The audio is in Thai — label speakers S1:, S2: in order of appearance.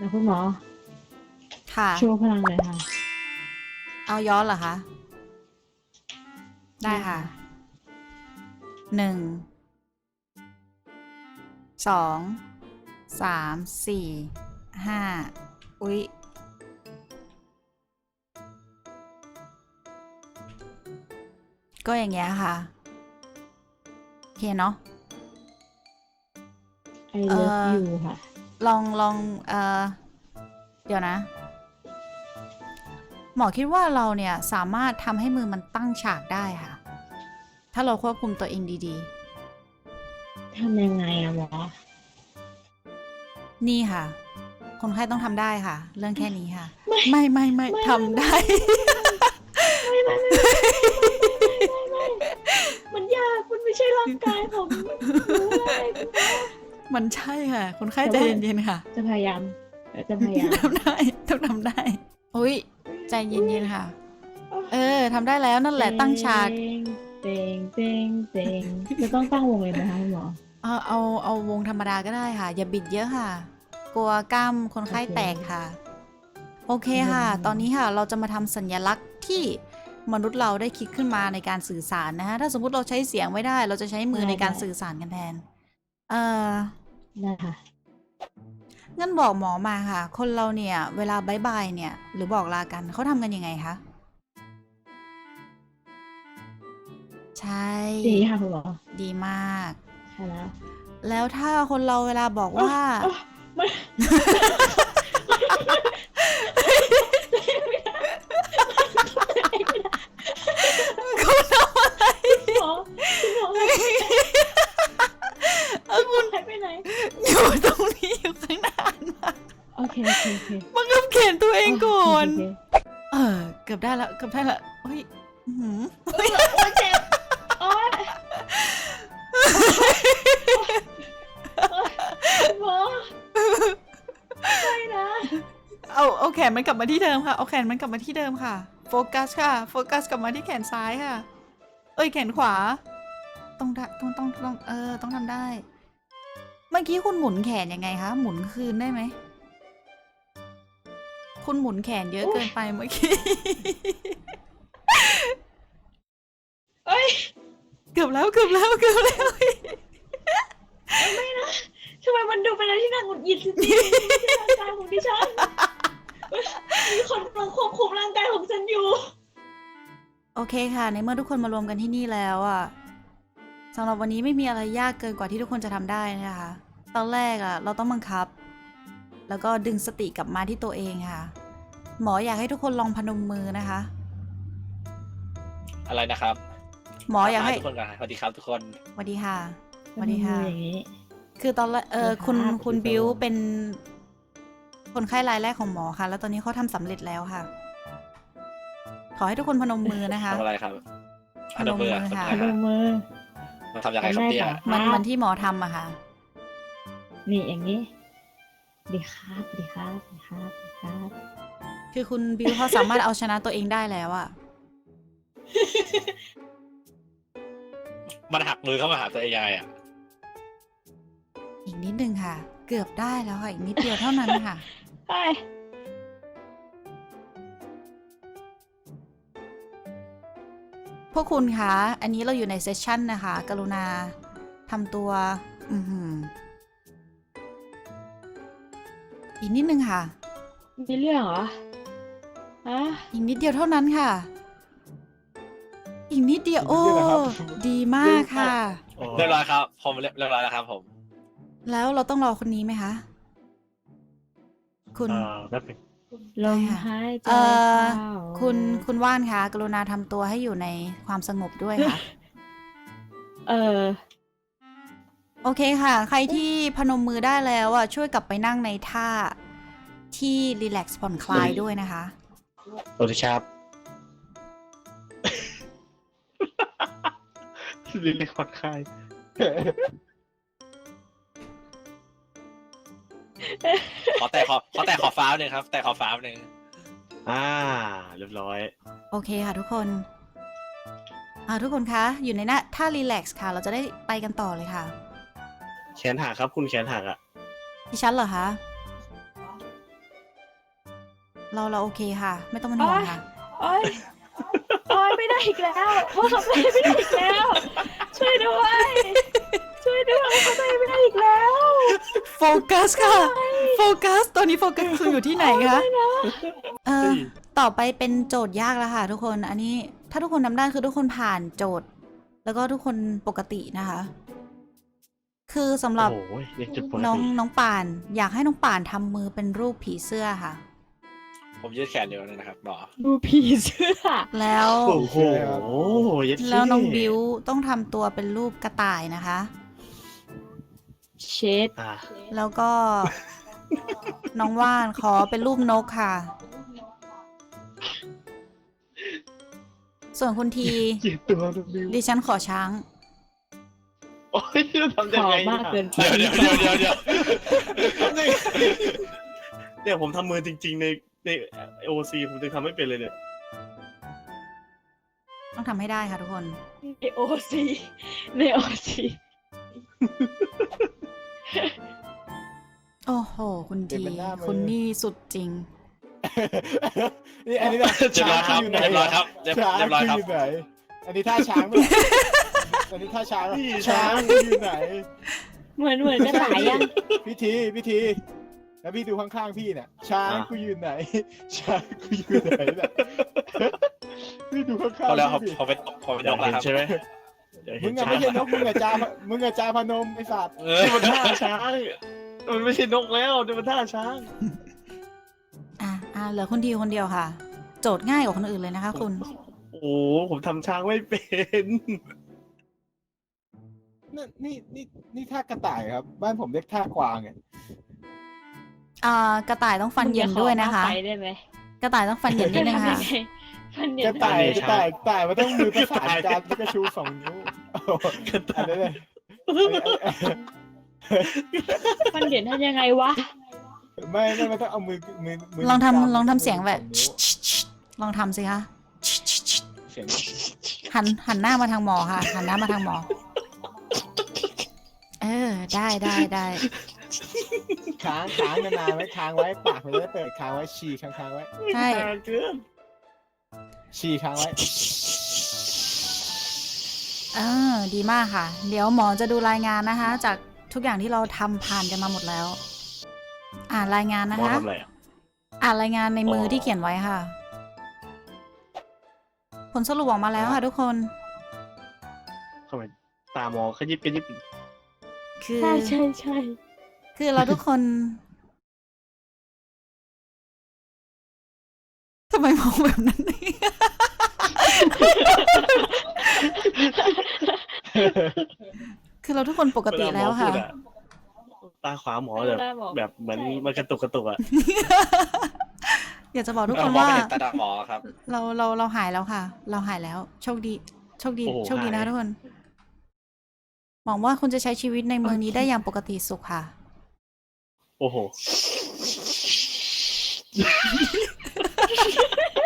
S1: นะคุณหมอ
S2: ค่ะ
S1: โชว์พลังหน่อยค่ะ
S2: เอาย้อนเหรอคะ ได้ค่ะ 1 2 3 4 5อุ๊ยก็อย่างเงี้ยค่ะโอเคเนาะ
S1: I love you ค่ะ
S2: ลองเดี๋ยวนะ หมอคิดว่าเราเนี่ยสามารถทำให้มือมันตั้งฉากได้ค่ะ ถ้าเราควบคุมตัวเองดี
S1: ทำยังไงอะหมอ
S2: ๆ นี่ค่ะ คนไข้ต้องทำได้ค่ะ เรื่องแค่นี้ค่ะ ไม่ทำได้
S1: ไม่มันยากมันไม่ใช่ร่างกายผมรู้เลยคุณหมอ
S2: มันใช่ค่ะ คนไข้ใจเย็นๆค่ะ
S1: จะพยายามจะพยายาม
S2: ทำได้ต้องทำได้อุ้ยใจเย็นๆค่ะ ทำได้แล้วนั่นแหละตั้งฉาก
S1: เต็งจะต้องตั้งวงเลยไหมคะคุณหมอ
S2: เอาวงธรรมดาก็ได้ค่ะ อย่าบิดเยอะค่ะ กลัวกล้ามคนไข้แตกค่ะ โอเคค่ะ ตอนนี้ค่ะเราจะมาทำสัญลักษณ์ที่มนุษย์เราได้คิดขึ้นมาในการสื่อสารนะฮะถ้าสมมุติเราใช้เสียงไม่ได้ เราจะใช้มือในการสื่อสารกันแทน
S1: นะคะ
S2: งั้นบอกหมอมาค่ะ คนเราเนี่ยเวลาบายบายเนี่ยหรือบอกลากันเขาทำกันยังไงคะใช่
S1: ดีค่ะคุณหมอ
S2: ดีมาก
S1: ใช่แล้ว
S2: แล้วถ้าคนเราเวลาบอกว่า
S1: ไม่
S2: คุณทำอะไร
S1: คุณหมอคุณหายไปไหน
S2: อยู่ตรงนี้อยู่ข้างหน้ามา
S1: โอเค
S2: บังคับเขียนตัวเองก่อน
S1: โเค
S2: เกือบได้ละเกือบได้ละเฮ้ย
S1: โอ้ยเจ็บโอ้ยหมอไม่นะ
S2: เอาแขนมันกลับมาที่เดิมค่ะเอาแขนมันกลับมาที่เดิมค่ะโฟกัสค่ะโฟกัสกลับมาที่แขนซ้ายค่ะแขนขวาต้องทำได้ เมื่อกี้คุณหมุนแขนยังไงคะหมุนคืนได้ไหมคุณหมุนแขนเยอะเกินไปเมื่อกี้เกือบแล้วไม่นะ
S1: ทำไมมันดูเป็นอะไรที่น่าหงุดหงิดจริงๆร่างกายของดิฉันมีคนกำลังควบคุมร่างกายของฉันอยู่
S2: โอเคค่ะในเมื่อทุกคนมารวมกันที่นี่แล้วอ่ะสำหรับวันนี้ไม่มีอะไรยากเกินกว่าที่ทุกคนจะทำได้นะคะตอนแรกอ่ะเราต้องบังคับแล้วก็ดึงสติกลับมาที่ตัวเองค่ะหมออยากให้ทุกคนลองพนมมือนะคะ
S3: อะไรนะครับ
S2: หมออยากให้
S3: ทุกคนกันสวัสดีครับทุกคน
S2: สวัสดีค่ะสวัสดีค่ะ
S1: อย่างนี้
S2: คือตอนแรกคุณบิวเป็นคนไข้รายแรกของหมอค่ะแล้วตอนนี้เขาทำสำเร็จแล้วค่ะขอให้ทุกคนพนมมือนะคะ
S3: ทำอะไรครับ
S2: พนมมือค่ะ
S1: พนมมือ
S3: มันทำยังไงครับเนี่ย
S2: มันที่หมอทำอะค่ะ
S1: นี่อย่างนี้ดีครับ
S2: คือคุณบิวเขาสามารถเอาชนะตัวเองได้แล้วอะ
S3: มันหักมือเข้ามาหาตัวเองยังไงอ่ะ
S2: อีกนิดนึงค่ะ เกือบได้แล้วค่ะอีกนิดเดียวเท่านั้นค่ะ
S1: ใช่
S2: พวกคุณคะอันนี้เราอยู่ในเซสชั่นนะคะ กรุณาทำตัวอีกนิดนึงค่ะ
S1: มีเรื่องเหรอ
S2: อีกนิดเดียวเท่านั้นค่ะอีกนิดเดียวโอ้ดีมากค่ะ
S3: เรียบร้อยครับผมเรียบร้อยแล้วครับผม
S2: แล้วเราต้องรอคนนี้ไหมคะคุณ
S1: ลมหายใจ
S2: คุณว่านคะกรุณาทำตัวให้อยู่ในความสงบด้วยค่ะโอเคค่ะใครที่พนมมือได้แล้วอ่ะช่วยกลับไปนั่งในท่าที่รีแลกซ์ผ่อนคลายด้วยนะคะ
S3: สวัสดีครับรีแลกซ์ผ่อนคลายขอแต่ขอฟ้าหนึ่งครับแต่ขอฟ้าหนึ่งเรียบร้อย
S2: โอเคค่ะทุกคนทุกคนคะอยู่ในหน้าท่ารีแลกซ์ค่ะเราจะได้ไปกันต่อเลยค่ะ
S3: แขนหักครับคุณแขนหักอ่ะ
S2: ดิฉันเหรอคะเราโอเคค่ะ ไม่ต้องเป็นห่วงค่ะ
S1: โอ๊ยโอ๊ยไม่ได้อีกแล้วว่าเขาไม่ได้อีกแล้ว ช่วยด้วย ช่วยด้วยเขาไม่ได้อีกแล้ว
S2: โฟกัสค่ะ โฟกัส ตอนนี้โฟกัสคืออยู่ที่ไหนคะต่อไปเป็นโจทย์ยากแล้วค่ะทุกคน อันนี้ถ้าทุกคนทำได้คือทุกคนผ่านโจทย์ แล้วก็ทุกคนปกตินะคะ คือสำหรับ
S3: โอ้ยยังจุดปกติ
S2: น้องป่าน อยากให้น้องป่านทำมือเป็นรูปผีเสื้อค่ะ
S3: ผมยืดแขนเดียวนะครับหมอ
S1: ดูผีเสื้อ
S2: แล้ว
S3: โอ้โหยัด
S2: แล้วน้องบิวต้องทำตัวเป็นรูปกระต่ายนะคะ
S1: เช็ด
S3: อ่ะ
S2: แล้วก็ น้องว่านขอเป็นรูปนกค่ะ ส่วนคุณที
S3: เกลียดตัวน้องบิว
S2: ดิฉันขอช้าง
S3: โอ้ยทำ
S1: ข
S3: ยัง
S1: อ
S3: ไง
S1: มากเกินไป
S3: เดี๋ยวเนี่ยผมทำมือจริงๆในโอซีผมจะทำไม่เป็นเลยเนี่ย
S2: ต้องทำให้ได้ค่ะทุกคน
S1: ในโอซีในโอซี
S2: โอ้โห คุณที คุณนี่สุดจริง
S4: นี่อันนี้แบบ
S3: เรียบร้อยครับ
S4: ช้างอยู่ไหน
S3: เรียบร้อยครับเรียบ
S4: ช้าง
S3: เรียบร้อยครับ
S4: อยู่ไหนอันนี้ท่าช้างไหมอันนี้ท่าช้างไหม
S3: นี่
S4: ช้าง
S3: ช้าง
S4: อยู่ไหน
S1: เหมือนกระต่ายยัง
S4: พิธีแล้วพี่ดูข้างๆพี่เนี่ยช้างกูอยู่ไหน ช้างกูอยู่ไหนเนี่ยพี่ดูข้าง
S3: พอแล้ว
S4: ๆ
S3: ครับ
S4: พี่
S3: พอเป็นนกแล้วครับใช่ไหม
S4: มึงอะไม่ใช่นกมึงอะจาพนมไอ้สัตว์
S3: มันท่าช้างมันไม่ใช่นกแล้วมันท่าช้าง
S2: เหลือคุณทีคนเดียวค่ะ โจทย์ง่ายกว่าคนอื่นเลยนะคะคุณ
S3: โอ้ผมทำช้างไม่เป็น
S4: นี่ท่ากระต่ายครับ บ้านผมเรียกท่ากวางเนี่ย
S2: กระต่ายต้องฟันเหยินด้วยนะคะ
S1: ไปได้ไหม
S2: กระต่ายต้องฟันเหยินนิดนึงค่ะ
S1: ฟันเหยิ
S4: ก
S1: น
S4: ระต่ายมันต้องมือประสานกันแล้วก็ชู2 นิ้วอันนี้เลย
S1: ฟันเหยินทำยังไงวะ
S4: ไม่มันต้องเอามือ
S2: ลองทำเสียงแบบ ลองทำสิคะ
S4: เสียง
S2: หันหน้ามาทางหมอค่ะ หันหน้ามาทางหมอ ได้
S4: ค้างนานๆไว้ค้างไว้ปากมันจะได้เปิดค้างไว้ฉี่ค้างไว้
S2: ใช่
S3: เกิน
S4: ฉี่ค้างไว้
S2: ดีมากค่ะ เดี๋ยวหมอจะดูรายงานนะคะ จากทุกอย่างที่เราทำผ่านกันมาหมดแล้ว รายงานนะ
S3: หมอ
S2: คะ
S3: ทำอะไรอ่ะ
S2: รายงานในมือที่เขียนไว้ค่ะ ผลสรุปออกมาแล้วค่ะทุกคน
S3: ทำไมตามองขยิบกระยิบ
S2: คือ
S1: ใช่
S2: คือเราทุกคนทำไมมองแบบนั้นเนี่ย คือเราทุกคนปกติแล้วค่ะ
S3: ตาขวาหมอแบบเหมือนมันกระตุกอ่ะ
S2: อยากจะบอกทุกคน
S3: มอง
S2: ว่า
S3: ไม่เห็นตาหมอครับ
S2: เราหายแล้วค่ะ เราหายแล้ว โชคดี
S3: โอ้โห
S2: โชคดีนะ
S3: หาย
S2: ทุกคนหวังว่าคุณจะใช้ชีวิตในเมืองนี้ได้อย่างปกติสุขค่ะ
S3: โอ้โห